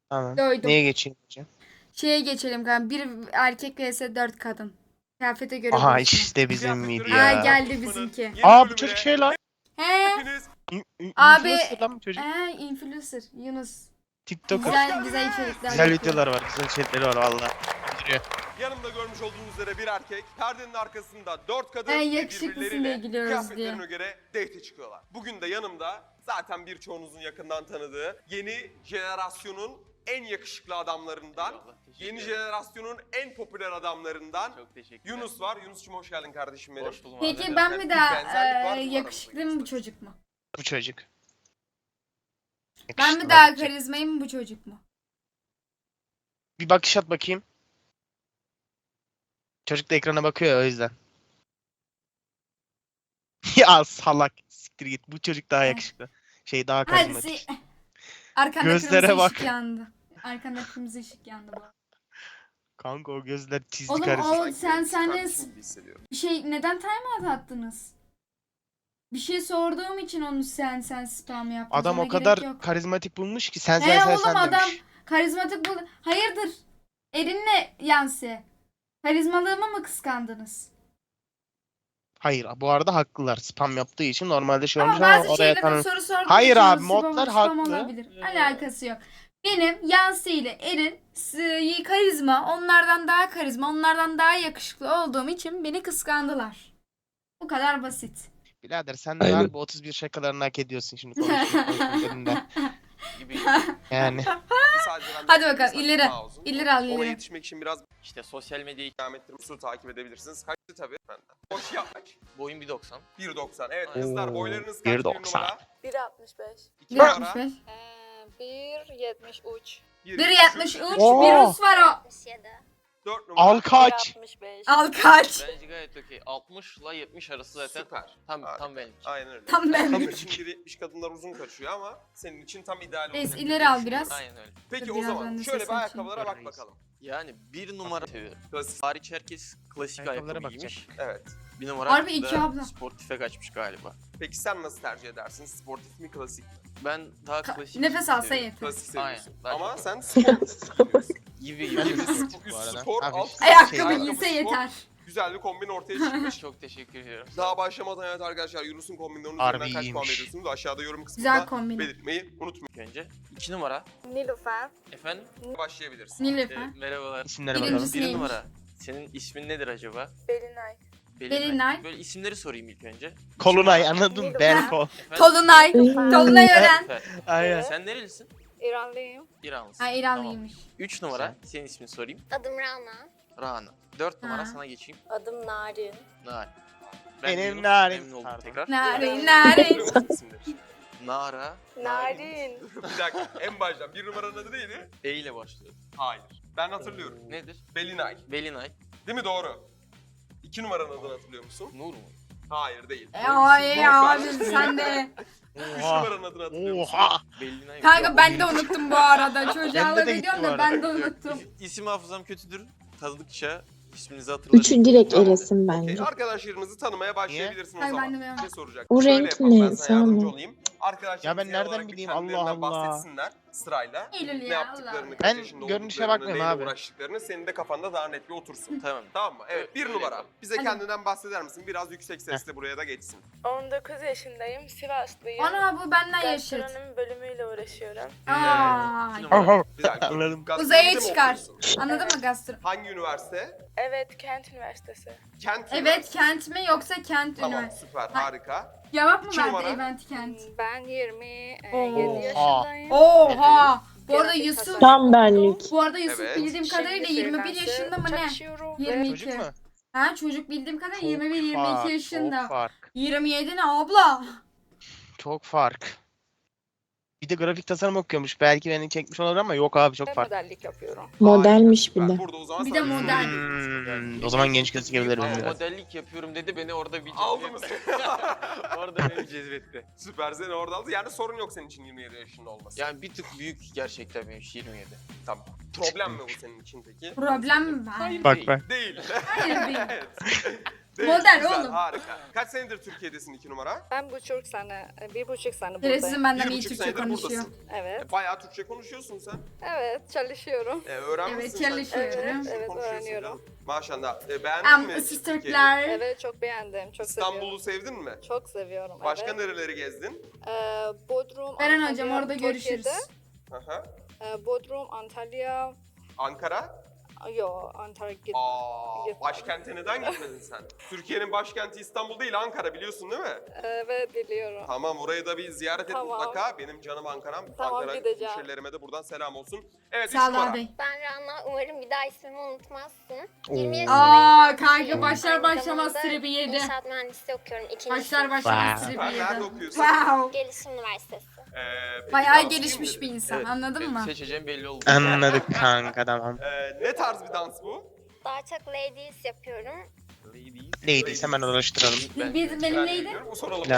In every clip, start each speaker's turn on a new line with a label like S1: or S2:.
S1: Tamam.
S2: Doydum.
S1: Neye geçeyim hocam?
S2: Şeye geçelim kanka. Bir erkek vs 4 kadın. Kıyafete göre
S1: Aha
S2: değişme.
S1: işte bizim miydi
S2: Aa
S1: ya?
S2: geldi bizimki.
S1: Aa bu çocuk şey lan.
S2: He abi.
S1: Influencer lan bu çocuk.
S2: Influencer Yunus.
S1: TikToker.
S2: Güzel içerikler
S1: Güzel
S2: yapıyor.
S1: videolar var. Güzel içerikleri var valla. Yürüyor.
S3: Yanımda görmüş olduğunuz üzere bir erkek, perdenin arkasında 4 kadın ve
S2: yakışıklısın diye
S3: birbirleriyle
S2: gülüyoruz
S3: kıyafetlerine
S2: diye.
S3: göre date'e çıkıyorlar. Bugün de yanımda zaten birçoğunuzun yakından tanıdığı yeni jenerasyonun en yakışıklı adamlarından, yeni jenerasyonun en popüler adamlarından
S4: Çok teşekkürler.
S3: Yunus var. Yunus'cum hoş geldin kardeşim benim.
S4: Hoş buldum
S2: Peki
S4: abi.
S2: ben mi
S3: Bir
S2: daha
S3: benzerlik var mı
S2: yakışıklı mı bu çocuk mu?
S1: Bu çocuk.
S2: Ben
S1: Yakışıklı
S2: mi daha
S1: bence.
S2: karizmayım mı bu çocuk mu?
S1: Bir bakış at bakayım. Çocuk da ekrana bakıyor ya, o yüzden. Ya salak. Siktir git. Bu çocuk daha yakışıklı. Şey daha
S2: Hadi
S1: karizmatik.
S2: Arkanda
S1: Gözlere
S2: kırmızı
S1: bak.
S2: ışık yandı. Arkanda kırmızı ışık yandı bu.
S1: Kanka o gözler çizdi
S2: Oğlum
S1: karısı.
S2: o
S3: Sanki
S2: sen
S3: kardeşim
S2: de
S3: gibi hissediyorum.
S2: bir şey neden timeout attınız? Bir şey sorduğum için onu sen spam yaptın.
S1: Adam
S2: Sana
S1: o kadar
S2: gerek yok.
S1: karizmatik bulmuş ki sen
S2: He
S1: sen
S2: oğlum adam
S1: demiş.
S2: karizmatik bu. Hayırdır? Erinle Yansi. Karizmalığımı mı kıskandınız?
S1: Hayır bu arada haklılar. Spam yaptığı için normalde şey
S2: Ama
S1: olmuş ama
S2: bazı
S1: oraya
S2: şeylere
S1: tanım.
S2: soru sorduğum
S1: Hayır
S2: için
S1: abi,
S2: o
S1: modlar
S2: spam
S1: haklı.
S2: olabilir. Alakası yok. Benim Yansi ile Erin karizma, onlardan daha karizma, onlardan daha yakışıklı olduğum için beni kıskandılar. Bu kadar basit.
S1: Birader sen de
S5: Aynen.
S1: harbi 31 şakalarını hak ediyorsun şimdi konuştuğunda.
S4: Gibi.
S1: Yani.
S3: Sadece ben
S2: Hadi
S3: de
S2: bakalım,
S3: saçma
S2: ileri.
S3: daha uzun.
S2: İleri al,
S3: Ona
S2: ileri.
S3: yetişmek için biraz
S4: İşte sosyal medyayı
S3: Ahmet'in takip edebilirsiniz. Kaçtı tabii benden. Boş yapmak.
S4: boyum 1.90.
S3: 1.90. Evet
S1: Oo,
S3: kızlar boylarınız kaç? Bir
S1: 1.90.
S3: numara.
S6: 1.65.
S3: 2 numara.
S2: 1.65.
S6: 1.73.
S2: 1.73.
S1: Oo.
S2: Virüs var o.
S3: 4 numara.
S1: Al kaç.
S6: 1.65.
S2: Al kaç.
S4: Bence gayet okey. 60 ile 70 arası zaten
S3: Süper.
S4: tam
S3: Harika.
S4: benlik.
S3: Aynen öyle.
S2: Tam benlik.
S3: Benim için 1.70 kadınlar uzun kaçıyor ama senin için tam ideal
S2: Neyse,
S3: olacak.
S2: ileri al biraz.
S4: Aynen öyle.
S3: Peki
S2: Dur,
S3: o
S2: biraz ben
S3: zaman
S2: de
S3: şöyle bir
S2: sesini
S3: ayakkabılara bak
S1: açayım.
S3: bakalım.
S4: Yani bir numara seviyorum.
S3: Klasik.
S4: Hariç herkes klasik
S1: Ayakkabılara
S4: ayakkabı giymiş.
S3: Evet.
S4: Bir numara
S2: Harbi iki
S4: da
S2: abla.
S4: sportife kaçmış galiba.
S3: Peki sen nasıl tercih edersin? Sportif mi klasik mi?
S4: Ben daha klasik
S2: Nefes alsa
S4: seviyorum.
S2: yeter.
S3: Klasik seviyorsun.
S4: Aynen, daha
S3: Ama
S4: çok-
S3: sen spor seviyorsun.
S4: Gibi
S1: Ben de
S4: gibi.
S1: sportif bu
S3: Üst
S1: arada.
S3: spor,
S1: Abi,
S3: alt
S2: Ayakkabı
S3: Ayakkabı
S2: giyse
S3: spor.
S2: yeter.
S3: Güzel bir kombin ortaya çıkmış.
S4: Çok teşekkür ediyorum.
S3: Daha başlamadan evet arkadaşlar Yunus'un kombinlerinin
S1: Harbi
S3: üzerinden kaç puan
S1: iyiymiş.
S3: veriyorsunuz? Aşağıda yorum
S2: Güzel
S3: kısmında
S2: kombin.
S3: belirtmeyi unutmayın.
S4: İlk önce 2 numara.
S6: Nilüfer.
S4: Efendim?
S3: Başlayabilirsin.
S2: Nilüfer.
S4: Merhabalar.
S1: İsimlere
S2: Birincisi
S1: bakalım.
S4: Bir
S2: neymiş?
S4: numara. Senin ismin nedir acaba?
S6: Belinay.
S2: Belinay.
S4: Böyle isimleri sorayım ilk önce.
S1: Kolunay anladın mı?
S6: Nilüfer.
S1: Bel kol.
S4: Efendim?
S2: Tolunay. Tolunay öğren.
S4: Süper.
S1: Aynen.
S4: Sen nerelisin?
S6: İranlıyım.
S4: İranlısın.
S2: Ha İranlıymış.
S4: 3 numara. Senin ismini sorayım.
S6: Adım Rana.
S4: Rana. 4 numara
S2: Ha.
S4: sana geçeyim.
S6: Adım Narin.
S4: Narin.
S1: Benim
S4: Yunus,
S1: Narin.
S4: Memnun oldum
S1: Pardon.
S4: tekrar.
S2: Narin
S3: Biliyor
S2: narin.
S3: musun isimleri?
S4: Nara.
S6: Narin.
S3: bir dakika en baştan bir numaranın adı neydi?
S4: E ile başlıyor.
S3: Hayır. Ben hatırlıyorum.
S4: Nedir?
S3: Belinay.
S4: Belinay.
S3: Değil mi doğru? 2 numaranın adını hatırlıyor musun?
S4: Nur mu?
S3: Hayır değil.
S2: Ay abi sen de.
S3: 3
S1: Oha.
S3: numaranın adını hatırlıyor musun?
S1: Oha.
S4: Belinay.
S2: Kanka ben de unuttum bu arada. Çocuğa
S1: Bende
S2: laf
S1: de gitti
S2: ediyorum
S1: bu
S2: da
S1: arada.
S2: ben de unuttum.
S4: İsim hafızam kötüdür. Tanıdıkça isminizi hatırlarım.
S5: Üçü direkt
S3: Tamam.
S5: elesin
S3: Okey,
S5: bence.
S3: arkadaşlarınızı tanımaya başlayabilirsin o
S2: Hayır,
S3: zaman.
S2: ben de beğenmem.
S3: Bir şey soracak.
S5: O
S3: Şöyle
S5: renk
S3: yapalım,
S5: ne?
S3: ben sana yardımcı
S5: Sen mi?
S3: olayım. Arkadaşlar
S1: Ya ben
S3: genel
S1: nereden
S3: olarak bir
S1: bileyim?
S3: kendilerinden
S1: Allah Allah.
S3: bahsetsinler sırayla.
S2: Eylül
S3: Ne
S2: ya
S3: yaptıklarını,
S2: Allah.
S3: kaç
S1: Ben
S3: yaşında
S1: görünüşe
S3: olduklarını,
S1: bakmıyorum
S3: neyle
S1: abi.
S3: uğraştıklarını senin de kafanda daha net bir otursun.
S4: Tamam.
S3: Tamam mı? Evet,
S4: Evet,
S3: bir
S4: öyle
S3: numara.
S4: yapalım.
S3: Bize
S2: Hadi.
S3: kendinden bahseder misin? Biraz yüksek sesle buraya da geçsin.
S6: 19 yaşındayım. Sivaslıyım.
S2: Ana bu benden yaşıt.
S6: Gastronomi bölümüyle uğraşıyorum.
S2: Aa.
S4: İki numara.
S3: Bir dakika.
S1: Anladım.
S3: Gastronomide
S2: Uzaya
S3: mi
S2: çıkar.
S3: okuyorsun?
S2: Anladın mı gastro?
S3: Hangi üniversite?
S6: Evet, Kent Üniversitesi.
S3: Kent
S2: Evet
S3: Üniversitesi.
S2: kent mi yoksa kent
S3: Tamam
S2: üniversitesi?
S3: süper harika.
S2: Cevap mı
S3: İki
S2: verdi
S3: numara.
S2: event kent?
S6: Ben 27
S2: Oha.
S6: yaşındayım.
S2: Oha. Bu arada
S6: Grafik
S2: Yusuf.
S6: tasarım
S5: Tam benlik.
S2: Bu arada Yusuf
S3: Evet.
S2: bildiğim kadarıyla
S6: Şimdi
S2: 21
S6: freelancer
S2: yaşında mı ne?
S6: çalışıyorum ve
S2: 22.
S1: Çocuk mu?
S2: Ha çocuk bildiğim kadarıyla
S1: Çok
S2: 21-22
S1: fark,
S2: yaşında.
S1: Çok fark.
S2: 27 ne abla?
S1: Çok fark. Bir de grafik tasarım okuyormuş. Belki beni çekmiş olabilir ama yok abi çok fark.
S6: modellik yapıyorum.
S5: Modelmiş bir
S3: Harika,
S5: de.
S3: süper. Burada o zaman
S2: Bir
S3: sana
S2: de
S3: soru
S2: model.
S3: geliyor.
S1: O zaman genç gözükebilirim
S4: Ama
S1: biraz.
S4: modellik yapıyorum dedi beni orada bir
S3: Aldı mı
S4: cezbetti.
S3: seni?
S4: Orada beni cezbetti.
S3: Süper seni orada aldı. Yani sorun yok senin için 27 yaşında olması.
S4: Yani bir tık büyük gerçekten benim 27.
S3: Tamam. Problem mi bu senin için peki?
S2: Problem mi?
S4: Hayır
S1: Bak
S4: değil.
S1: bak.
S3: Değil.
S2: Hayır değil.
S3: Evet.
S2: Model
S3: güzel,
S2: oğlum.
S3: Harika. Kaç senedir Türkiye'desin 2 numara?
S6: Ben 1,5 sene
S2: Şerefsizim
S6: buradayım.
S2: benden
S3: Bir
S2: iyi
S3: buçuk
S2: Türkçe
S3: senedir
S2: konuşuyor.
S3: buradasın.
S6: Evet.
S3: Bayağı Türkçe konuşuyorsun sen.
S6: Evet, çalışıyorum.
S3: Öğrenmişsin
S2: Evet,
S3: sen.
S2: çalışıyorum.
S3: Türkçe
S6: Evet,
S3: konuşuyorsun
S6: öğreniyorum.
S3: canım. Maşallah. Beğendin mi
S2: Siz
S3: Türkiye'yi?
S2: Türkler.
S6: Evet, çok beğendim. Çok
S3: İstanbul'u
S6: seviyorum.
S3: sevdin mi?
S6: Çok seviyorum.
S3: Başka
S6: evet.
S3: nereleri gezdin?
S6: Bodrum,
S2: Eren
S6: Antalya,
S2: hocam orada
S6: Türkiye'de.
S2: görüşürüz.
S3: Aha.
S6: Bodrum, Antalya.
S3: Ankara?
S6: Yo, Antalya gittim. Gitmedim.
S3: Başkente neden gitmedin sen? Türkiye'nin başkenti İstanbul değil, Ankara, biliyorsun değil mi?
S6: Evet, biliyorum.
S3: Tamam, orayı da bir ziyaret et
S6: Tamam.
S3: mutlaka. Benim canım Ankara'm.
S6: Tamam,
S3: Ankara
S6: gideceğim.
S3: hemşerilerime de buradan selam olsun. Evet, 3
S2: Sağ ol
S3: numara.
S2: abi.
S5: Ben Rana. Umarım bir daha ismimi unutmazsın.
S1: Oo.
S5: 20 yaşındayım.
S2: Aa kanka
S5: Aynı
S2: başlar başlamaz
S5: zamanda
S2: tribi yedi.
S5: İnşaat mühendisliği okuyorum. İkinci
S2: Başlar
S5: sınıf.
S2: başlamaz
S1: Wow.
S2: tribi
S3: Nerede
S2: yedi.
S3: okuyorsun?
S2: Wow.
S5: Gelişim Üniversitesi.
S3: Peki,
S2: Bayağı
S3: dans
S2: gelişmiş
S3: kimdir?
S2: bir insan
S4: Evet,
S2: anladın
S4: benim
S2: mı?
S4: seçeceğim belli oldu.
S1: Anladık kanka tamam.
S3: Ne tarz bir dans bu?
S5: Daha çok ladies yapıyorum.
S1: Ladies hemen araştıralım.
S2: Benim
S3: Ben
S2: neydi?
S3: bilmiyorum, o soralım.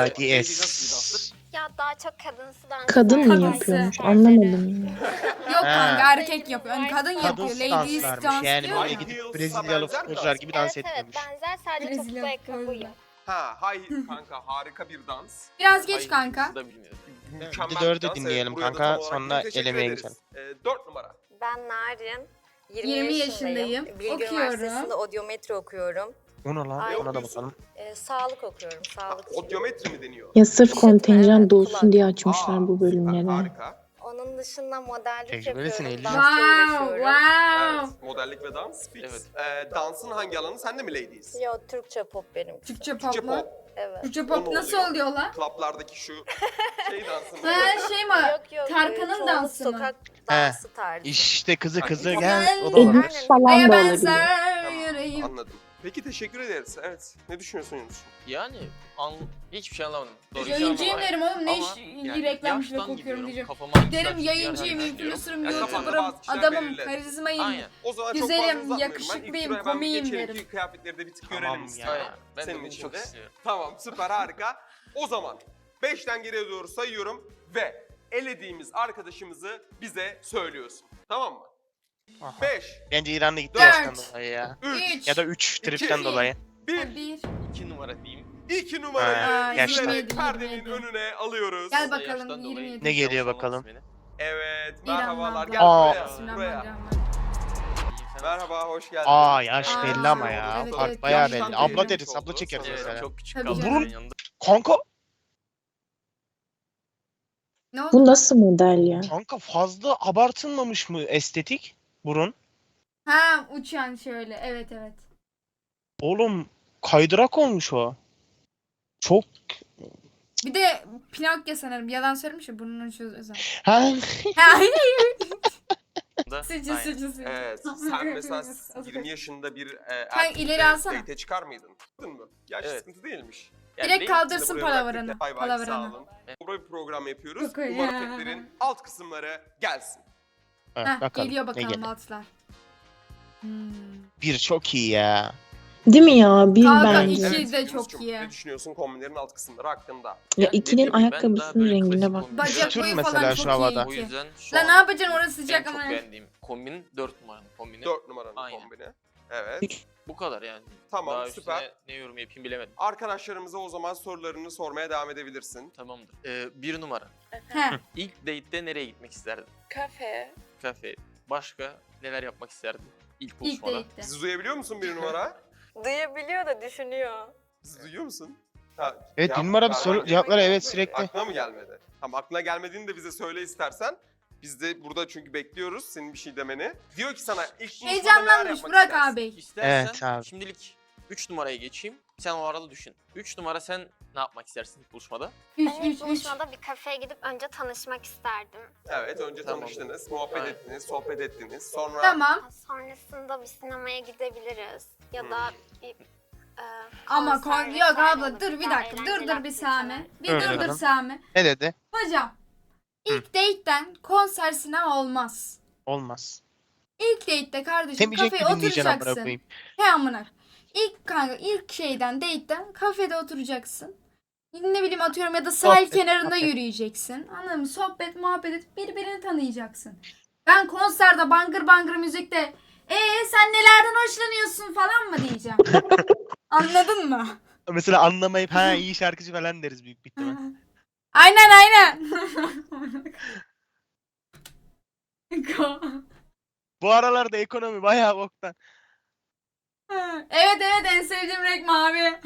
S1: Ladies.
S5: Ya daha çok kadınsı dans.
S7: Kadın mı
S2: Kadınsı.
S7: yapıyormuş? Anlamadım.
S2: Yok kanka
S1: Ha.
S2: erkek yapıyor. Yani kadın yapıyor.
S1: Kadın
S2: Ladies
S1: danslarmış
S2: dans
S1: yani
S2: diyor
S1: böyle
S2: ya.
S1: gidip Brezilyalı futbolcular gibi dans
S5: Evet
S1: etmiyormuş.
S5: benzer sadece
S2: Brezilya
S5: topuklu ayakkabı
S2: futbolu.
S5: yok.
S3: Ha, kanka, harika bir dans.
S2: Biraz geç kanka.
S4: Da bilmiyorum.
S3: Mükemmel
S1: bir de dördü
S3: bir dans.
S1: dinleyelim
S3: buraya da
S1: kanka,
S3: tam olarak
S1: sonra
S3: teşekkür
S1: elemeye
S3: ederiz. 4 numara.
S8: Ben Narin.
S2: 20 yaşındayım.
S8: Bilgi
S2: Okuyorum.
S8: Üniversitesi'nde odyometri okuyorum.
S1: Ona lan
S8: Ay,
S1: ona da
S3: okuyorsun.
S1: bakalım.
S8: Sağlık okuyorum.
S3: Ha,
S8: Sağlık.
S3: odyometri mi deniyor?
S7: Ya sırf
S8: İşletme,
S7: kontenjan
S8: evet,
S7: dolsun
S8: kulak.
S7: diye açmışlar
S3: Aa,
S7: bu
S3: süper,
S7: bölümleri.
S3: harika.
S8: Onun dışında modellik
S1: Tecrübelisin
S8: yapıyorum.
S1: Eylül.
S8: Dansla
S2: Wow,
S8: uğraşıyorum.
S2: wow.
S3: Evet, modellik ve dans fix.
S4: Evet.
S3: Dansın hangi alanı? Sen de mi ladies?
S8: Yo, Türkçe pop benim.
S2: Türkçe
S3: Türkçe
S2: pop mu?
S3: pop.
S8: Evet.
S2: Türkçe
S3: O
S2: pop
S3: ne
S2: nasıl
S3: oluyor?
S2: oluyor lan?
S3: Klaplardaki şu dansı mı?
S2: Ha şey mi?
S8: Yok yok.
S2: Tarkan'ın
S8: çoğunluk
S2: dansı mı?
S8: sokak dansı tarzı.
S1: İşte kızı
S3: Hangisi?
S1: gel. O da
S2: Aynen.
S1: olabilir.
S7: Edip falan
S2: Neye
S7: da olabilir.
S2: benzer
S3: Tamam,
S2: yüreğim.
S3: anladım. Peki, teşekkür ederiz. Evet. Ne düşünüyorsun Yunus?
S4: Yani hiçbir şey anlamadım.
S2: Yayıncıyım derim oğlum ne
S4: Ama
S2: iş
S4: yani
S2: reklamcılık
S4: yaştan
S2: okuyorum
S4: gidiyorum,
S2: diyeceğim.
S4: kafama
S2: Derim
S4: güzel çıkıyor,
S2: yayıncıyım,
S4: her yerden
S2: influencer'ım,
S3: Ya kafanda
S2: youtuber'ım,
S3: bazı kişiler
S2: adamım,
S3: belirler.
S2: karizmayım,
S4: Aynen.
S3: O zaman çok
S2: Güzelim,
S3: fazla uzatmıyorum.
S2: yakışıklıyım,
S3: Ben ilk sıraya
S2: komiyim
S3: geçelim
S2: derim.
S3: ki kıyafetleri de bir tık
S1: Tamam
S3: görelim
S1: ya.
S3: istedim.
S4: Aynen. Ben
S3: Senin
S4: de bunu
S3: için
S4: çok
S3: de.
S4: istiyorum.
S3: Tamam, süper, harika. O zaman 5'ten geriye doğru sayıyorum ve elediğimiz arkadaşımızı bize söylüyorsun. Tamam mı?
S1: Aha.
S3: 5,
S1: Bence İran'da gitti
S2: Dört.
S1: yaştan dolayı ya.
S3: 3,
S2: 3
S1: Ya da 3 tripten
S3: İki.
S1: dolayı.
S3: 1,
S2: 1
S4: 2 numara diyeyim.
S3: 2 numarayı
S1: Ha,
S2: yaşlı.
S3: üzülerek
S2: 27,
S3: perdenin
S2: 27.
S3: önüne alıyoruz.
S2: Gel
S4: Yaştan
S2: bakalım
S4: dolayı
S2: 27.
S1: Ne geliyor
S4: yanlış
S1: bakalım?
S4: olmaz beni.
S3: Evet,
S2: İranlı
S3: merhabalar.
S2: abla.
S3: Gel
S1: Aa.
S3: buraya.
S2: Bismillahirrahmanirrahim.
S3: Merhaba, hoş geldin.
S1: Aa yaş
S2: Aa,
S1: belli ama ya.
S2: evet,
S1: Fark
S2: evet,
S1: bayağı
S3: yaştan
S1: belli.
S3: belli.
S1: Abla deriz,
S3: Oldu.
S1: abla çekeriz
S3: Evet,
S1: mesela.
S4: Evet, çok küçük
S2: Tabii
S4: kaldım
S2: canım.
S4: senin yanında.
S1: Kanka,
S2: Ne oldu?
S7: Bu nasıl model ya?
S1: kanka fazla abartılmamış mı estetik burun?
S2: Ha uçan şöyle evet evet.
S1: Oğlum kaydırak olmuş o. Çok
S2: Bir de Pinokyo sanırım yalan söylemiş ya burnunu çözüyor.
S1: ha
S2: Ha
S4: Da-
S2: sıcı
S4: Aynen.
S2: sıcı sıcı.
S3: Evet, sen mesela 20 yaşında bir
S2: ileri
S3: erkekle
S2: alsana.
S3: date'e çıkar mıydın? Anladın mı? Yaş
S4: Evet.
S3: sıkıntı değilmiş.
S4: Yani
S2: Direkt
S4: değil-
S2: kaldırsın
S3: Şimdi buraya bıraktık.
S2: palavrını.
S3: Bay bay, sağ
S2: Palavrını.
S3: olun. Burada bir program yapıyoruz.
S2: Yok öyle.
S3: Marketlerin alt kısımları gelsin.
S2: Heh,
S1: bakalım.
S2: geliyor
S1: Ne
S2: bakalım
S1: geliyor?
S2: altlar.
S1: Bir çok iyi ya.
S7: Değil mi ya? Bir
S2: Kanka,
S7: bence.
S2: iki- de
S3: Yunus'cum,
S2: çok iyi.
S3: Ne düşünüyorsun kombinlerin alt kısımları hakkında?
S7: Ya
S4: Yani
S7: ikinin
S4: dediğim gibi ben daha
S7: ayakkabısının
S4: böyle
S7: rengine
S4: klasik
S7: bak.
S4: kombin-
S2: Bacak
S1: Tür
S2: boyu
S1: mesela
S2: falan
S1: şu
S2: çok
S1: havada.
S2: iyi
S4: O
S2: ki.
S4: yüzden şu
S2: Lan
S4: an
S2: ne yapacaksın orası
S4: en
S2: sıcak
S4: çok
S2: ama.
S4: beğendiğim kombin 4 numaralı kombini.
S3: 4 numaranın
S4: Aynen.
S3: kombini. Evet.
S4: Bu kadar yani.
S3: Tamam,
S4: Daha
S3: süper.
S4: üstüne ne yorum yapayım bilemedim.
S3: Arkadaşlarımıza o zaman sorularını sormaya devam edebilirsin.
S4: Tamamdır. 1 numara.
S2: He.
S4: İlk date'de nereye gitmek isterdin?
S6: Kafe.
S4: Kafe. Başka neler yapmak isterdin? İlk
S2: İlk
S4: buluşmada.
S2: date'te.
S3: Bizi duyabiliyor musun bir numara?
S8: Duyabiliyor da düşünüyor.
S3: Bizi duyuyor musun? Ha,
S1: Evet
S3: cevap-
S1: bir numara bir
S3: galiba
S1: soru
S3: gelmedi.
S1: cevapları evet sürekli.
S3: Aklına mı gelmedi? Tamam, aklına gelmediğini de bize söyle istersen. Biz de burada çünkü bekliyoruz senin bir şey demeni. Diyor ki sana ilk buluşmada neler
S2: Heyecanlanmış
S3: yapmak
S2: Burak
S3: istersin?
S2: abi.
S4: İstersen
S1: Evet abi.
S4: şimdilik 3 numaraya geçeyim. Sen o arada düşün. 3 numara sen ne yapmak istersin ilk buluşmada?
S2: 3
S5: Ben
S2: 3
S5: ilk
S2: 3.
S5: buluşmada bir kafeye gidip önce tanışmak isterdim.
S3: Evet, önce
S4: Tamam.
S3: tanıştınız, muhabbet
S4: Aynen.
S3: ettiniz, sohbet ettiniz. Sonra
S2: Tamam.
S5: Sonrasında bir sinemaya gidebiliriz. Ya da bir
S2: Ama
S5: konser
S2: yok
S5: vesaire
S2: abla
S5: olabilir.
S2: dur bir
S5: Daha
S2: dakika
S5: eğlenceli
S2: dur bir Sami.
S5: aktiviteler.
S2: Bir
S1: Öyle
S2: dur
S1: bakalım.
S2: Sami.
S1: Ne dedi?
S2: Hocam ilk date'den konser sinema olmaz.
S1: Olmaz.
S2: İlk date'de kardeşim
S1: Temizlik
S2: kafeye
S1: bir dinleyeceksin amına
S2: oturacaksın.
S1: koyayım.
S2: He amına. İlk kanka ilk şeyden date'den kafede oturacaksın. Ne bileyim atıyorum ya da sahil
S1: Sohbet,
S2: kenarında
S1: muhabbet.
S2: yürüyeceksin. Anladın mı? Sohbet, muhabbet et, birbirini tanıyacaksın. Ben konserde bangır bangır müzikte sen nelerden hoşlanıyorsun falan mı diyeceğim. Anladın mı?
S1: Mesela anlamayıp ha iyi şarkıcı falan deriz büyük bir ihtimal.
S2: Aynen.
S1: Bu aralarda ekonomi bayağı boktan.
S2: Evet en sevdiğim renk mavi.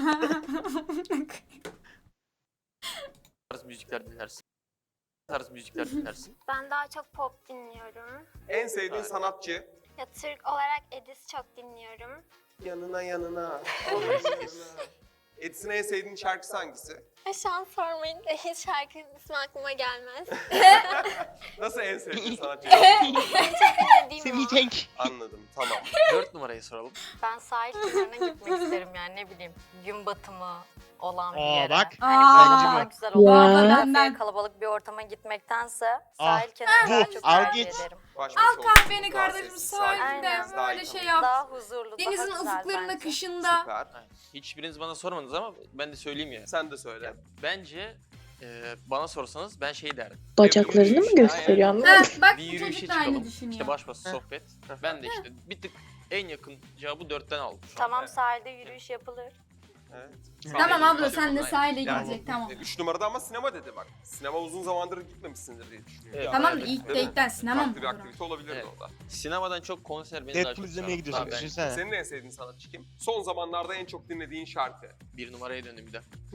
S4: Tarz müzikler dinlersin. Tarz müzikler dinlersin.
S5: Ben daha çok pop dinliyorum.
S3: En sevdiğin sanatçı?
S5: Ya Türk olarak Edis çok dinliyorum.
S3: Yanına. Edis'in en sevdiğin şarkısı hangisi?
S5: Şu an sormayın da hiç şarkının ismi aklıma gelmez.
S3: Nasıl en sevdiğin sanatçı?
S5: Dinlediğim o.
S1: Sevecek.
S3: Anladım, tamam.
S4: 4 numarayı soralım.
S8: Ben sahil kenarına gitmek isterim yani ne bileyim gün batımı olan bir
S1: Aa,
S8: yere.
S1: bak.
S8: Hani
S1: Bence
S8: daha
S1: bu.
S8: güzel olur.
S7: Ya.
S8: Kafeye,
S2: Benden.
S8: kalabalık bir ortama gitmektense
S1: Ah,
S8: sahil kenarını daha
S1: bu.
S8: çok
S1: Al
S8: tercih
S1: git.
S8: ederim.
S3: Baş
S2: Al
S3: başa
S2: kahveni
S3: olsun, daha
S2: kardeşim
S3: sessiz,
S2: sahilde
S3: sakin,
S8: Aynen.
S3: daha
S2: böyle
S3: iyi
S2: şey
S3: tanıdım.
S2: yap.
S8: Daha huzurlu,
S2: Denizin
S8: daha güzel
S2: ufuklarında
S8: bence.
S2: kışında.
S3: Süper.
S4: Hiçbiriniz bana sormadınız ama ben de söyleyeyim ya.
S3: Sen de söyle.
S4: Bence bana sorsanız ben şey derdim.
S7: Bacaklarını mı gösteriyor anladın?
S2: Bak
S4: Bir
S2: bu
S4: yürüyüşe
S2: çocuk da aynı
S4: çıkalım.
S2: düşünüyor.
S4: İşte baş başa sohbet. Ben de işte bir tık en yakın cevabı 4'ten aldım şu an.
S8: Tamam sahilde yürüyüş yapılır.
S3: Evet.
S2: Tamam abla
S4: Yürüyüş
S2: sen de
S4: yapalım,
S2: sahile
S1: Yani-
S2: gidecek tamam.
S3: 3 numarada ama sinema dedi bak. Sinema uzun zamandır gitmemişsindir diye düşünüyorum.
S4: Evet,
S2: Tamam
S4: evet,
S2: ilk
S4: evet.
S2: date'den sinema mı?
S3: Farklı bir aktivite olabilirdi
S4: Evet.
S3: o da.
S4: Sinemadan çok konser beni daha
S1: Deadpool
S4: çok
S1: izlemeye
S4: sardı.
S1: gidiyorsun
S4: Daha ben
S1: düşünsene.
S3: Senin en sevdiğin sanatçı kim? Son zamanlarda en çok dinlediğin şarkı.
S4: 1 numaraya döndüm bir dakika.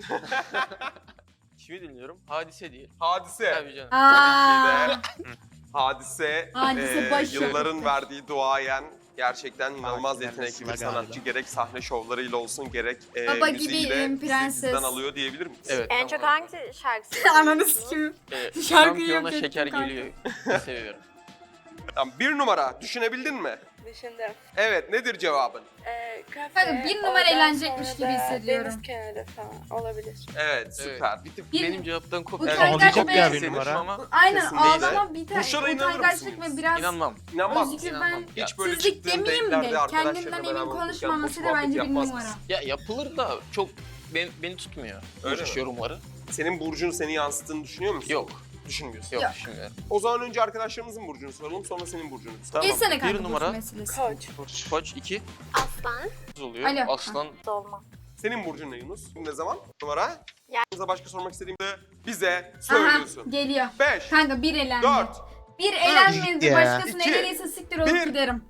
S4: Kimi dinliyorum? Hadise diye.
S3: Hadise.
S4: Tabii canım.
S2: Aa,
S3: Tabii ki de Hadise,
S2: Hadise başı.
S3: yılların verdiği duayen gerçekten inanılmaz
S1: Hadise
S3: yetenekli bir
S1: galiba.
S3: sanatçı. Gerek sahne şovlarıyla olsun gerek
S2: Baba
S3: müziğiyle
S2: gibiyim,
S3: bizi
S2: prenses.
S3: diziden alıyor diyebilir miyiz?
S4: Evet.
S8: En çok hangi şarkısı?
S2: Ananı sikim.
S4: Şarkıyı
S2: Şarkıyı
S4: Şampiyona
S2: yapacaktım
S4: şeker
S2: kanka.
S4: geliyor. Seviyorum.
S3: Tamam, 1 numara düşünebildin mi?
S6: Düşündüm.
S3: Evet, nedir cevabın?
S6: Kafe,
S2: Kanka, bir numara
S6: oradan
S2: eğlenecekmiş
S6: sonra
S2: gibi
S6: da
S2: hissediyorum.
S6: Deniz kenarı falan olabilir.
S3: Evet, süper.
S4: Bir tık
S2: Bir-
S4: benim cevaptan
S2: Bu
S4: kopya.
S2: utangaç
S1: Ağlayacak ya
S2: ve-
S1: bir numara.
S4: Ama
S2: Aynen
S3: Kesin değil de.
S2: ağlama bir tane
S3: Burçlara inanır
S2: utangaçlık
S3: mısınız?
S2: ve biraz
S4: inanmam.
S3: İnanmaz
S2: özgür
S3: mısın?
S2: ben
S3: Hiç böyle
S2: sizlik
S3: çıktığın
S2: demeyeyim de
S3: date'lerde arkadaşlarına
S2: kendinden
S3: beraber
S2: emin
S3: otururken
S2: konuşmaması
S3: boş
S2: da
S3: muhabbet
S2: bence bir
S3: yapmaz
S2: numara.
S3: mısın?
S4: Ya yapılır da çok beni tutmuyor.
S3: Öyle
S4: Öyle
S3: mi?
S4: yorumları.
S3: Senin burcun seni yansıttığını düşünüyor musun?
S4: Yok.
S3: Düşünmüyorsun.
S4: Yok
S2: Yok.
S4: düşünmüyorum.
S3: O zaman önce arkadaşlarımızın burcunu soralım, sonra senin burcunu soralım.
S2: Geçsene kanka
S4: Bir
S2: bu
S4: numara.
S2: meselesi.
S6: Koç.
S4: Koç 2
S5: Aslan.
S4: oluyor.
S2: Alo.
S4: Aslan
S8: Dolma.
S3: Senin burcun ne Yunus? Ne zaman? Numara?
S8: Ya-
S3: Bize başka sormak istediğimde bize
S2: Aha
S3: söylüyorsun.
S2: geliyor.
S3: 5,
S2: Kanka bir elendi.
S3: 4,
S2: Bir elenmedi
S1: Ya.
S2: başkasının
S3: İki.
S2: elenirse siktir olup
S3: Bir.
S2: giderim.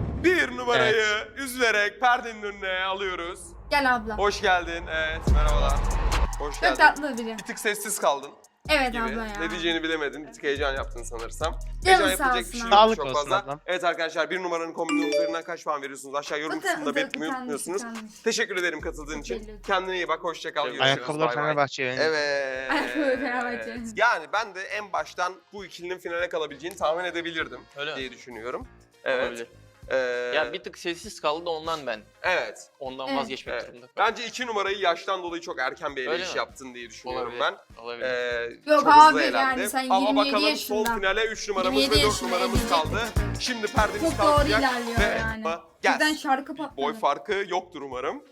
S3: 1 numarayı üzülerek perdenin önüne alıyoruz.
S2: Gel abla.
S3: Hoş geldin. Evet, merhabalar. Hoş
S2: Çok
S3: geldin.
S2: tatlı biri.
S3: Bir tık sessiz kaldın
S2: Evet
S3: gibi.
S2: abla ya.
S3: Ne diyeceğini bilemedin. Bir tık heyecan yaptın sanırsam.
S2: Canın
S3: Heyecan
S2: sağ
S3: yapılacak bir
S2: olsun
S3: şey
S2: abi.
S3: yok
S1: Sağlık
S3: çok
S1: olsun
S3: fazla.
S1: ablam.
S3: Evet arkadaşlar 1 numaranın kombininin üzerinden kaç puan veriyorsunuz? Aşağı yorum kısmında belirtmeyi unutmuyorsunuz. Teşekkür ederim katıldığın için.
S2: Belli.
S3: Kendine iyi bak. Hoşça kal.
S4: Evet.
S3: Görüşürüz.
S1: Ayakkabılar
S3: Bay bay.
S1: Fenerbahçe yani.
S3: Evet.
S2: Ayakkabı Fenerbahçe.
S3: Yani ben de en baştan bu ikilinin finale kalabileceğini tahmin edebilirdim
S4: öyle mi?
S3: diye düşünüyorum. Evet.
S4: Olabilir.
S3: Ee,
S4: Ya bir tık sessiz kaldı da ondan ben.
S3: evet.
S4: Ondan
S2: Evet.
S4: vazgeçmek
S3: Evet.
S4: durumunda.
S3: Bence 2 numarayı yaştan dolayı çok erken bir
S4: Öyle
S3: eleş
S4: mi?
S3: yaptın diye düşünüyorum
S4: Olabilir.
S3: ben.
S4: Olabilir.
S2: Yok
S3: çok hızlı
S2: abi,
S3: elendi.
S2: yani sen
S3: Ama
S2: 27
S3: bakalım
S2: yaşında.
S3: son finale 3 numaramız ve
S2: 27
S3: 4
S2: yaşında
S3: numaramız
S2: evlenecek
S3: kaldı. Şimdi perdemiz
S2: Çok doğru
S3: kalkacak
S2: ilerliyor
S3: ve
S2: yani.
S3: gel.
S2: Birden şarkı patladı.
S3: Boy farkı yoktur umarım.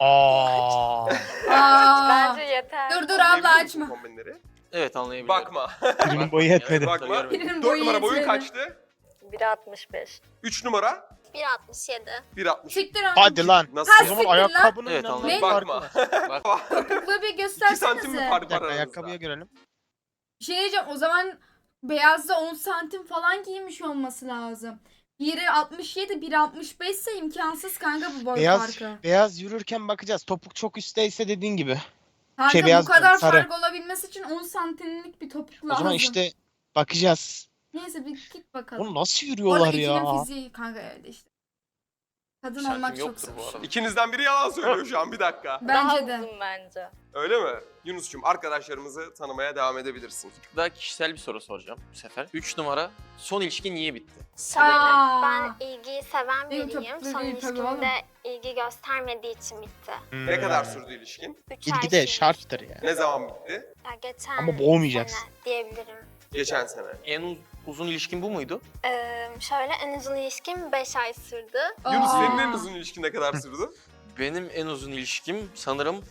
S1: Aa.
S2: Aa.
S8: Bence yeter.
S2: Dur abla
S3: Anlayabiliyor musun
S2: açma.
S3: kombinleri?
S4: Evet anlayabiliyorum.
S3: Bakma.
S1: Birinin boyu yetmedi.
S3: Bakma.
S2: Birinin
S3: 4
S2: boyu
S3: numara boyun
S2: yetmedi.
S3: kaçtı?
S8: 1.65.
S3: 3 numara
S5: 1.67.
S3: 1.60.
S2: Siktir abi.
S1: Hadi lan.
S3: Nasıl?
S1: O
S2: Ha,
S1: zaman
S2: siktir lan.
S1: ayakkabının
S4: Evet,
S1: inanılmaz
S2: anladım.
S1: farkı
S3: Bakma.
S1: var.
S2: Topuklu bir
S3: 2 santim mi
S2: göstersenize.
S3: fark
S1: Bir
S3: var
S1: dakika
S3: aranızda?
S1: ayakkabıya görelim.
S2: Bir şey diyeceğim o zaman beyazda 10 santim falan giymiş olması lazım. Biri 67, biri 65 ise imkansız kanka bu boy farkı.
S1: Beyaz yürürken bakacağız. Topuk çok üstteyse dediğin gibi.
S2: Kanka
S1: şey,
S2: bu
S1: beyaz
S2: kadar
S1: diyorum, sarı.
S2: fark olabilmesi için 10 santimlik bir topuk
S1: O
S2: lazım.
S1: zaman işte bakacağız.
S2: Neyse bir git bakalım.
S1: Oğlum nasıl
S2: Bu arada
S1: yürüyorlar
S2: ikinin
S1: ya?
S2: fiziği kanka öyle işte. Kadın
S4: Santim
S2: olmak çok
S4: yoktur
S2: zor.
S4: bu arada.
S3: İkinizden biri yalan söylüyor şu an bir dakika.
S2: Bence
S8: Daha
S2: de.
S8: uzun bence.
S3: Öyle mi? Yunus'cum arkadaşlarımızı tanımaya devam edebilirsin.
S4: Daha kişisel bir soru soracağım bu sefer. 3 numara. Son ilişki niye bitti?
S2: Aa.
S5: Ben ilgiyi seven
S2: Benim
S5: biriyim.
S2: toplu
S5: Son
S2: değil tabii
S5: ilişkimde ilgi göstermediği için bitti.
S3: Ne kadar sürdü ilişkin?
S5: 3 ay
S1: İlgi de
S5: sürmüş.
S1: şarttır ya.
S3: Ne zaman bitti?
S5: Ya geçen
S1: Ama boğmayacaksın.
S5: sene diyebilirim.
S3: Geçen sene.
S4: En uzun ilişkin bu muydu?
S5: Şöyle en uzun ilişkim 5 ay sürdü.
S3: Yunus
S2: Aa.
S3: senin en uzun ilişkin ne kadar sürdü?
S4: Benim en uzun ilişkim sanırım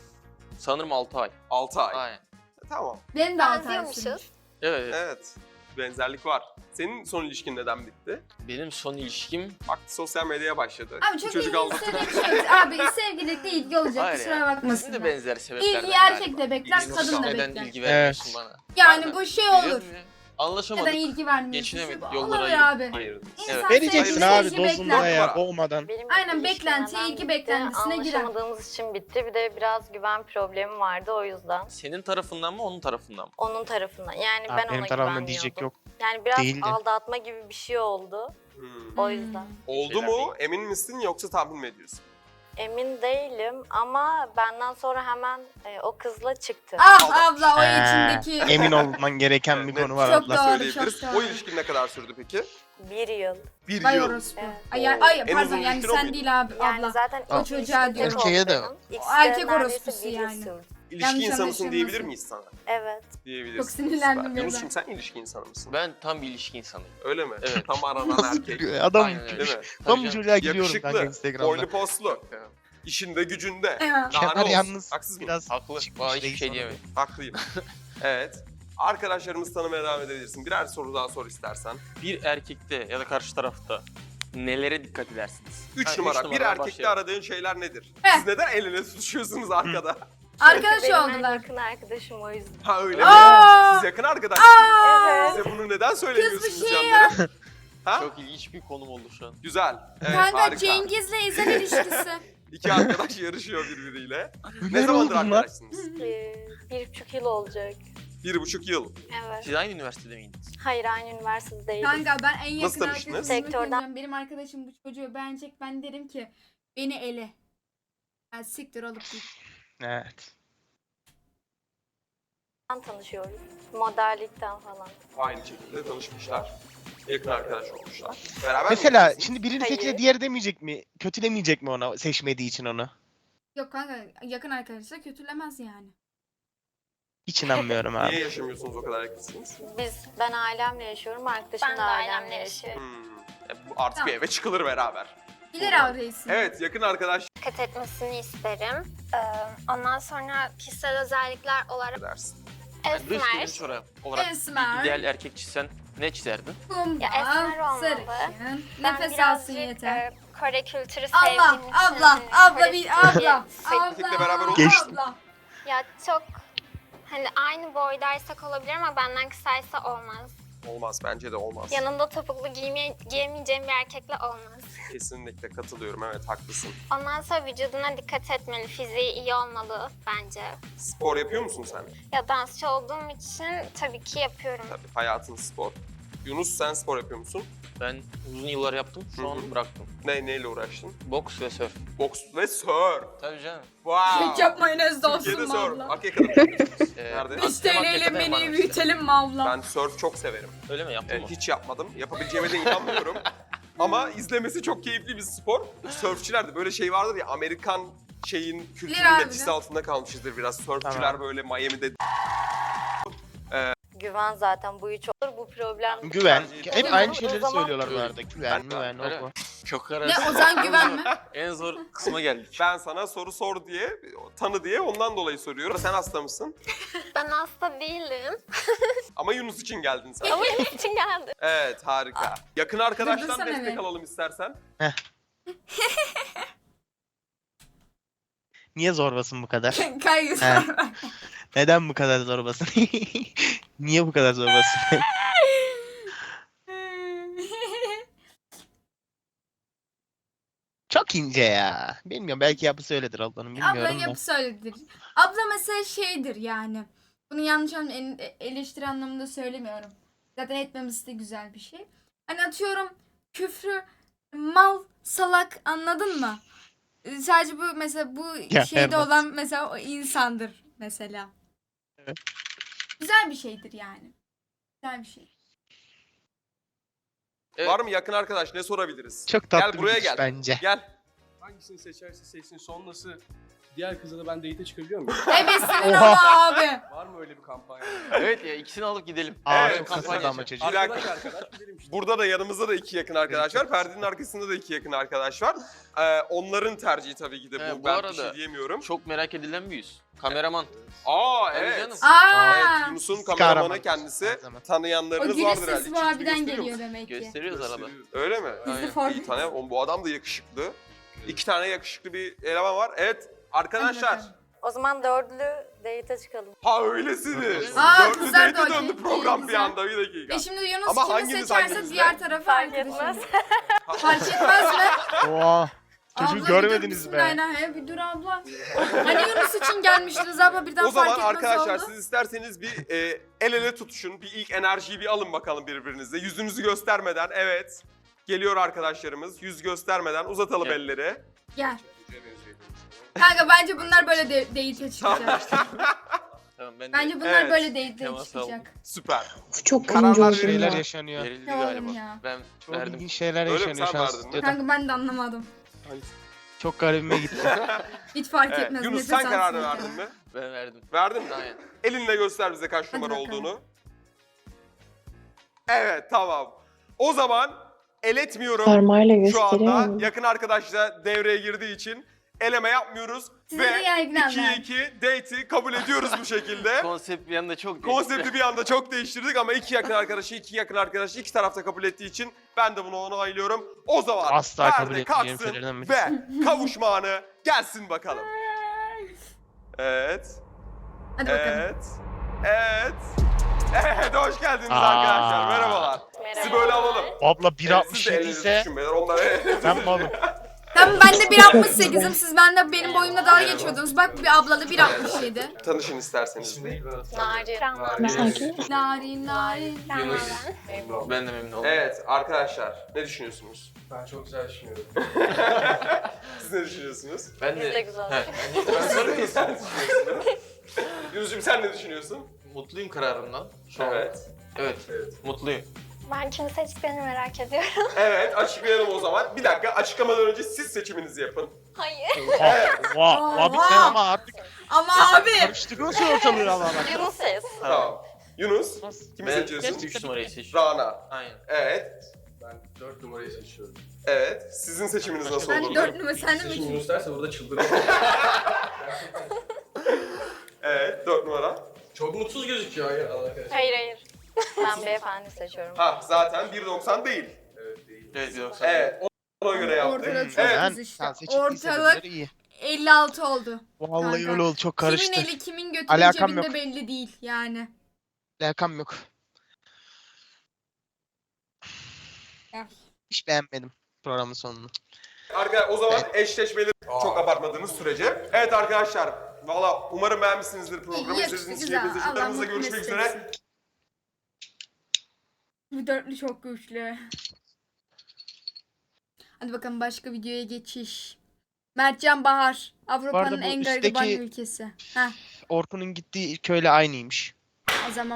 S4: 6 ay.
S3: 6 ay.
S4: Aynen.
S3: Tamam.
S2: Benim de 6 ay
S5: Benziyormuşuz.
S2: sürmüş.
S4: Evet.
S3: Evet. Benzerlik var. Senin son ilişkin neden bitti?
S4: Benim son ilişkim...
S3: Baktı sosyal medyaya başladı.
S2: Abi çok
S3: Çocuk
S2: ilgi
S3: aldı.
S2: istediğim şey. Abi sevgililikte ilgi olacak,
S4: Hayır
S2: kusura
S4: ya. Sizin
S2: bakmasın.
S4: de benzer sebeplerden
S2: İlgi erkek de bekler,
S3: İlgi
S2: kadın da
S4: Neden
S2: bekler.
S4: ilgi vermiyorsun bana?
S2: Yani bu şey olur.
S4: Biliyorum ya. Anlaşamadık.
S2: Neden ilgi vermiyorsun?
S4: Geçinemedik,
S2: Olur
S4: yollar
S2: abi.
S4: ayırdık.
S3: Ayırdınız.
S2: İnsan
S4: Evet.
S1: Vereceksin
S2: sevgili
S1: abi
S2: ilgi
S1: dozunda
S2: bekler.
S1: ya boğmadan.
S8: Benim
S2: Aynen,
S8: ilişkim
S2: beklenti,
S8: neden
S2: ilgi
S8: bitti?
S2: beklentisine girer.
S8: Anlaşamadığımız için bitti. Bir de biraz güven problemi vardı o yüzden.
S4: Senin tarafından mı onun tarafından mı?
S8: Onun tarafından. Yani
S1: Ha,
S8: ben
S1: benim
S8: ona
S1: tarafımdan
S8: güvenmiyordum.
S1: diyecek yok.
S8: Yani biraz
S1: Değildi.
S8: aldatma gibi bir şey oldu.
S3: Hmm.
S8: O yüzden.
S3: Oldu
S4: Şeyler
S3: mu? Emin misin yoksa tahmin mi ediyorsun?
S8: Emin değilim ama benden sonra hemen o kızla çıktı.
S2: Ah abla o
S1: He,
S2: içindeki.
S1: Emin olman gereken bir
S3: Evet,
S1: konu var
S2: Çok
S1: abla.
S2: doğru.
S3: Söyleyebiliriz.
S2: çok doğru.
S3: O ilişkin ne kadar sürdü peki?
S8: 1 yıl.
S3: Bir
S2: Vay
S3: yıl.
S2: orospu.
S8: Evet.
S2: Ay
S3: En
S2: pardon
S3: uzun
S2: yani
S3: ilişkin o
S2: sen
S3: muydu?
S2: değil abi
S8: Yani
S2: abla.
S8: zaten
S1: O
S8: ilk
S2: çocuğa
S8: ilişkim
S2: diyorum.
S8: tek
S1: Erkeğe
S8: oldu
S1: de.
S8: benim. İkisi
S2: O erkek
S8: neredeyse
S2: orospusu
S8: bir yıl
S2: yani.
S8: sürdü.
S3: İlişki
S2: Yanlış
S3: insanı mısın
S2: anlaşılmasın.
S3: diyebilir miyiz sana?
S8: Evet.
S3: Diyebiliriz.
S2: Çok sinirlendim
S3: Süper.
S2: ya
S3: Yunus'cum
S2: ben.
S3: sen ilişki insanı mısın?
S4: Ben tam bir ilişki insanıyım.
S3: Öyle mi?
S4: Evet.
S3: Tam aranan
S1: Nasıl
S3: erkek.
S1: gülüyor? Adam
S4: Aynen öyle.
S3: Değil mi?
S1: tam bu çocuğa gülüyorum kanka
S3: Yakışıklı,
S1: Instagram'da.
S3: boylu poslu, işinde gücünde.
S2: Ya.
S3: Daha ne
S1: Kenar
S3: olsun?
S1: yalnız
S3: Haksız mı?
S1: biraz
S4: Haklı.
S1: çıkmış
S4: Bana hiçbir
S1: reis
S4: şey
S1: ona.
S4: diyemedim.
S3: Haklıyım. Evet. Arkadaşlarımızı tanımaya devam edebilirsin. Birer soru daha sor istersen.
S4: Bir erkekte ya da karşı tarafta nelere dikkat edersiniz?
S3: 3
S4: Ha,
S3: numara. Bir
S4: numaradan
S3: erkekte
S4: başlayalım.
S3: aradığın şeyler nedir?
S2: Heh.
S3: Siz neden el ele tutuşuyorsunuz arkada?
S2: Arkadaş
S8: Benim en
S2: oldular.
S8: yakın arkadaşım o yüzden.
S3: Ha öyle mi?
S2: Aa!
S3: Siz yakın arkadaşsınız.
S8: Evet.
S3: Size bunu neden söylemiyorsunuz
S2: şey
S3: canlarım? Ha?
S4: Çok ilginç bir konum oldu şu an.
S3: Güzel. Evet,
S2: Kanka
S3: harika.
S2: Cengiz'le İzel ilişkisi.
S3: İki arkadaş yarışıyor birbiriyle. Ne
S1: Neler
S3: zamandır
S1: oldu bunlar?
S3: arkadaşsınız?
S8: 1,5 yıl olacak.
S3: 1,5 yıl.
S8: Evet.
S4: Siz aynı üniversitede miydiniz?
S8: Hayır aynı üniversitede değiliz.
S2: Kanka ben en yakın
S3: Nasıl tanıştınız?
S2: arkadaşımı
S8: Sektörden.
S2: tanıyorum. Benim arkadaşım bu çocuğu beğenecek. Ben derim ki beni ele. Yani siktir olup git.
S1: Evet.
S8: Tanışıyoruz. Modellikten falan.
S3: Aynı şekilde tanışmışlar. Yakın arkadaş olmuşlar. Beraber mi
S1: Mesela
S3: yaşıyorsunuz?
S1: şimdi birini
S8: Hayır.
S1: seçince diğeri demeyecek mi? Kötülemeyecek mi ona seçmediği için onu?
S2: Yok kanka yakın arkadaşsa kötülemez yani.
S1: Hiç inanmıyorum abi.
S3: Niye yaşamıyorsunuz o kadar yakınsınız?
S8: Ben ailemle yaşıyorum, arkadaşım
S5: Ben de
S8: da ailemle
S5: ailemle
S8: yaşıyor.
S5: yaşıyorum.
S3: Bu artık
S2: Tamam.
S3: bir eve çıkılır beraber.
S2: Bilir abi reisin.
S3: Evet, yakın arkadaş
S5: Dikkat etmesini isterim. Ondan sonra kişisel özellikler olarak
S3: dersin.
S4: Yani dış
S5: esmer.
S4: görünüş olarak
S2: Esmer.
S4: ideal erkek çizsen ne çizerdin?
S2: Kumral,
S5: Ya esmer olmalı.
S2: sarışın,
S5: Ben
S2: nefes alsın
S5: birazcık,
S2: yeter.
S5: Kore kültürü
S2: Allah,
S5: sevdiğim için.
S2: abla,
S5: hani
S2: abla
S5: Kore
S2: bir abla.
S3: Erkekle beraber
S2: Abla,
S3: geçtim.
S2: abla.
S5: Ya çok hani aynı boydaysak olabilir ama benden kısaysa olmaz.
S3: Olmaz, bence de olmaz.
S5: Yanında topuklu giyemeyeceğim bir erkekle olmaz.
S3: Kesinlikle katılıyorum, evet haklısın.
S5: Ondan sonra vücuduna dikkat etmeli. Fiziği iyi olmalı bence.
S3: Spor yapıyor musun sen?
S5: Ya dansçı olduğum için tabii ki yapıyorum.
S3: Tabii, hayatın spor. Yunus sen spor yapıyor musun?
S4: Ben uzun yıllar yaptım,
S3: Hı
S4: şu
S3: hı.
S4: an bıraktım.
S3: Neyle uğraştın?
S4: Boks ve surf.
S3: Boks ve surf.
S4: Tabii canım.
S3: Wow.
S2: Ketçap mayonez de
S3: Türkiye'de
S2: olsun mu
S3: surf.
S2: abla?
S3: Erkek kadın mı yapıyorsunuz? Nerede?
S2: 5 TL ile
S4: Markette de var
S2: beni
S4: işte.
S2: büyütelim mi abla?
S3: Ben surf çok severim.
S4: Öyle mi yaptın mı?
S3: Hiç yapmadım. Yapabileceğime de inanmıyorum. Ama izlemesi çok keyifli bir spor. Sörfçüler de böyle şey vardır ya, Amerikan şeyin kültürünün
S2: abi
S3: etkisi
S2: de.
S3: altında kalmışızdır biraz. Sörfçüler
S1: Tamam.
S3: böyle Miami'de
S8: Güven zaten bu üç olur, bu problem.
S1: Güven.
S3: Tercih
S1: Hep
S8: ediyorum.
S1: aynı
S8: O
S1: şeyleri
S8: zaman-
S1: söylüyorlar bu arada. Güven, güven,
S4: Öyle
S1: o.
S4: mi? Çok kararsız.
S2: Ne Ozan Güven mi?
S4: En zor kısma geldik.
S3: ben sana soru sor diye, tanı diye ondan dolayı soruyorum. Sen hasta mısın?
S5: Ben hasta değilim.
S3: Ama Yunus için geldin sen.
S5: Ama benim için geldi.
S3: Evet, harika. Yakın arkadaştan
S2: Durdursana
S3: destek
S2: beni.
S3: alalım istersen.
S1: Niye zorbasın bu kadar?
S2: Kaygısı
S1: He.
S2: var.
S1: Neden bu kadar zorbasın? Niye bu kadar zorbasın? Çok ince ya. Bilmiyorum, belki yapısı öyledir ablanın,
S2: Abla
S1: bilmiyorum da.
S2: yapısı öyledir. Abla mesela şeydir yani. Bunu yanlış eleştiri anlamında söylemiyorum. Zaten etmemesi de güzel bir şey. Hani atıyorum küfrü mal salak anladın mı? Sadece bu mesela bu
S1: Ya,
S2: şeyde
S1: evet.
S2: olan mesela o insandır mesela.
S1: Evet.
S2: Güzel bir şeydir yani. Güzel bir şey.
S4: Evet.
S3: Var mı yakın arkadaş, ne sorabiliriz?
S1: Çok tatlı
S3: Gel buraya
S1: bir iş
S3: gel.
S1: bence.
S3: Gel.
S9: Hangisini seçerse seçsin sonrası diğer kızla da ben date'e çıkabiliyor muyum?
S2: Ebesinin ama abi.
S9: Var mı öyle bir kampanya?
S4: Evet ya ikisini alıp gidelim.
S1: Aa
S3: Evet,
S1: çok
S4: kampanya
S1: kasıtlı ama
S4: için.
S1: çocuk.
S3: Bir dakika.
S9: Arkadaş gidelim işte.
S3: Burada da yanımızda da iki yakın arkadaş var. Perdenin arkasında da iki yakın arkadaş var. Onların tercihi tabii ki de bu.
S4: He, bu
S3: Ben bir
S4: arada-
S3: şey diyemiyorum.
S4: Çok merak edilen bir yüz. Kameraman.
S3: Aa
S4: Tabii
S3: evet.
S4: canım.
S2: Aa.
S3: Evet, Yunus'un
S1: Kahraman.
S3: kameramanı kendisi.
S1: Her zaman.
S2: O
S3: Tanıyanlarınız
S2: gülüş
S3: vardır herhalde.
S2: sesi bu
S3: Çiftini
S2: abiden
S3: gösteriyor
S2: geliyor
S3: musun?
S2: demek ki.
S4: Gösteriyoruz arada.
S3: Öyle mi?
S2: Bizde
S4: Aynen.
S2: form.
S3: İyi tane. Oğlum, bu adam da yakışıklı. İki tane yakışıklı bir eleman var. Evet arkadaşlar.
S2: bakalım.
S8: O zaman dörtlü date'e çıkalım.
S3: Ha öylesiniz.
S2: Aa,
S3: Dörtlü
S2: kızlar da
S3: date'e
S2: okey.
S3: döndü program
S2: İyi,
S3: bir
S2: güzel.
S3: anda. Bir dakika.
S2: E şimdi Yunus
S3: Ama
S2: kimi
S3: hanginiz
S2: seçerse
S3: hanginizle?
S2: diğer tarafı
S8: Fark
S2: arkadaşım.
S8: etmez.
S2: Fark etmez mi?
S1: Oha. Çocuğu
S2: Abla, bir
S1: görmediniz
S2: dur,
S1: be.
S2: bismillah, bir dur abla. Hani Yunus için gelmiştiniz abla birden
S3: O zaman
S2: fark etmez
S3: arkadaşlar
S2: oldu.
S3: siz isterseniz bir el ele tutuşun. Bir ilk enerjiyi bir alın bakalım birbirinize. Yüzünüzü göstermeden. Evet. Geliyor arkadaşlarımız. Yüz göstermeden uzatalım
S4: Gel.
S3: elleri.
S2: Gel. Kanka bence bunlar böyle date'e çıkacak.
S4: Tamam ben de
S2: Bence bunlar
S3: Evet.
S2: böyle date'e
S4: Temas aldım.
S2: çıkacak.
S3: Süper.
S7: Çok
S3: Kararlar
S7: cringe oldum
S1: Şeyler
S7: ya.
S1: yaşanıyor.
S4: verildi
S2: Ne oğlum
S4: galiba.
S2: ya?
S4: Ben
S1: Çok
S4: verdim.
S1: ilginç şeyler
S3: Öyle mi?
S1: yaşanıyor
S3: Sen
S1: şu an
S3: verdin mi?
S1: stüdyoda.
S2: Kanka ben de anlamadım.
S1: Çok garibime gitti.
S2: Hiç fark
S3: Evet.
S2: etmez.
S3: Yunus
S2: nefes
S3: sen kararını
S2: alsın
S3: verdin mi?
S4: Ben verdim.
S3: Verdin mi?
S4: Aynen.
S3: Elinle göster bize kaç
S2: Hadi
S3: numara
S2: bakalım.
S3: olduğunu. Evet tamam. O zaman el etmiyorum
S7: Parmağıyla
S3: şu anda.
S7: gösteriyor.
S3: Yakın arkadaşla devreye girdiği için eleme yapmıyoruz.
S2: Size de
S3: Ve
S2: yaygın
S3: 2'ye
S2: anlar.
S3: 2 date'i kabul ediyoruz bu şekilde.
S4: Konsept bir anda çok değişti.
S3: Konsepti bir anda çok değiştirdik ama iki yakın arkadaşı iki tarafta kabul ettiği için ben de bunu onaylıyorum. O zaman
S1: Asla kabul
S3: perde
S1: etmeyeceğim
S3: kalksın
S1: şeylerden
S3: ve
S1: birisi.
S3: kavuşma anı gelsin bakalım. Evet.
S2: Hadi bakalım.
S3: Evet. Evet. Evet hoş geldiniz
S1: Aa.
S3: arkadaşlar. Merhabalar. Sizi böyle alalım.
S1: Abla
S3: Evet, siz de
S1: 1.67
S3: elinizi
S1: ise
S3: tutun beyler. Onlar
S1: ben malım.
S2: Tamam ben de 1.68'im. Siz bende benim boyumla dalga geçiyordunuz. Bak bir ablalı 1.67.
S3: tanışın isterseniz.
S8: Narin.
S7: Sanki.
S2: Narin narin.
S4: Yunus. Ben de memnun oldum.
S3: Evet arkadaşlar ne düşünüyorsunuz?
S9: Ben çok güzel düşünüyorum.
S3: Siz ne düşünüyorsunuz?
S4: Ben
S8: Biz de güzel.
S4: He, ben sorayım.
S3: Sen ne düşünüyorsun? Yunus'cum sen ne düşünüyorsun?
S4: Mutluyum kararımdan. Şu an.
S3: Evet.
S4: Evet. Mutluyum.
S5: Ben kimi seçtiklerini merak ediyorum.
S3: Evet açıklayalım o zaman. Bir dakika açıklamadan önce siz seçiminizi yapın.
S5: Hayır.
S1: Oha. Abi sen ama artık
S2: Ama abi.
S1: karıştırıyorsun ortalığı ama bak.
S8: Yunus ses.
S3: Tamam. Yunus kimi
S4: Ben
S3: seçiyorsun?
S4: 3 numarayı seçtim.
S3: Rana.
S4: Aynen.
S3: Evet.
S9: Ben 4 numarayı seçiyorum.
S3: Evet. Sizin seçiminiz nasıl
S2: Ben
S3: oldu?
S2: 4 numara sen de mi?
S9: Seçim Yunus derse burada çıldırırım.
S3: Evet 4 numara.
S9: Çok mutsuz gözüküyor ya arkadaşlar.
S8: Hayır. Ben beyefendi seçiyorum.
S3: Ha zaten 1.90 değil.
S9: Evet değil.
S4: Evet yoksa.
S3: Evet ona göre yaptık.
S2: Ortada çok
S3: Evet.
S1: Sen,
S2: kız işte.
S1: sen seçildiysen
S2: Ortalık
S1: bunları iyi.
S2: 56 oldu.
S1: Vallahi
S2: Kanka.
S1: öyle oldu çok karıştı.
S2: Kimin eli kimin götünün
S1: Alakam
S2: cebinde
S1: yok.
S2: belli değil yani.
S1: Alakam yok.
S2: Gel.
S1: Hiç beğenmedim programın sonunu.
S3: Arkadaşlar o zaman eşleşmeleri çok abartmadığınız sürece. Evet arkadaşlar. Valla umarım beğenmişsinizdir programı.
S2: İyi,
S3: İzlediğiniz için
S2: güzel.
S3: hepinize
S2: Allah
S3: çocuklarımızla
S2: mutlu
S3: görüşmek
S2: mesut
S3: üzere.
S2: etsin. Bu dörtlü çok güçlü. Hadi bakalım başka videoya geçiş. Mertcan Bahar. Avrupa'nın
S1: bu
S2: en gariban
S1: üstteki-
S2: ülkesi. Heh,
S1: Orkun'un gittiği köyle aynıymış.
S2: o zaman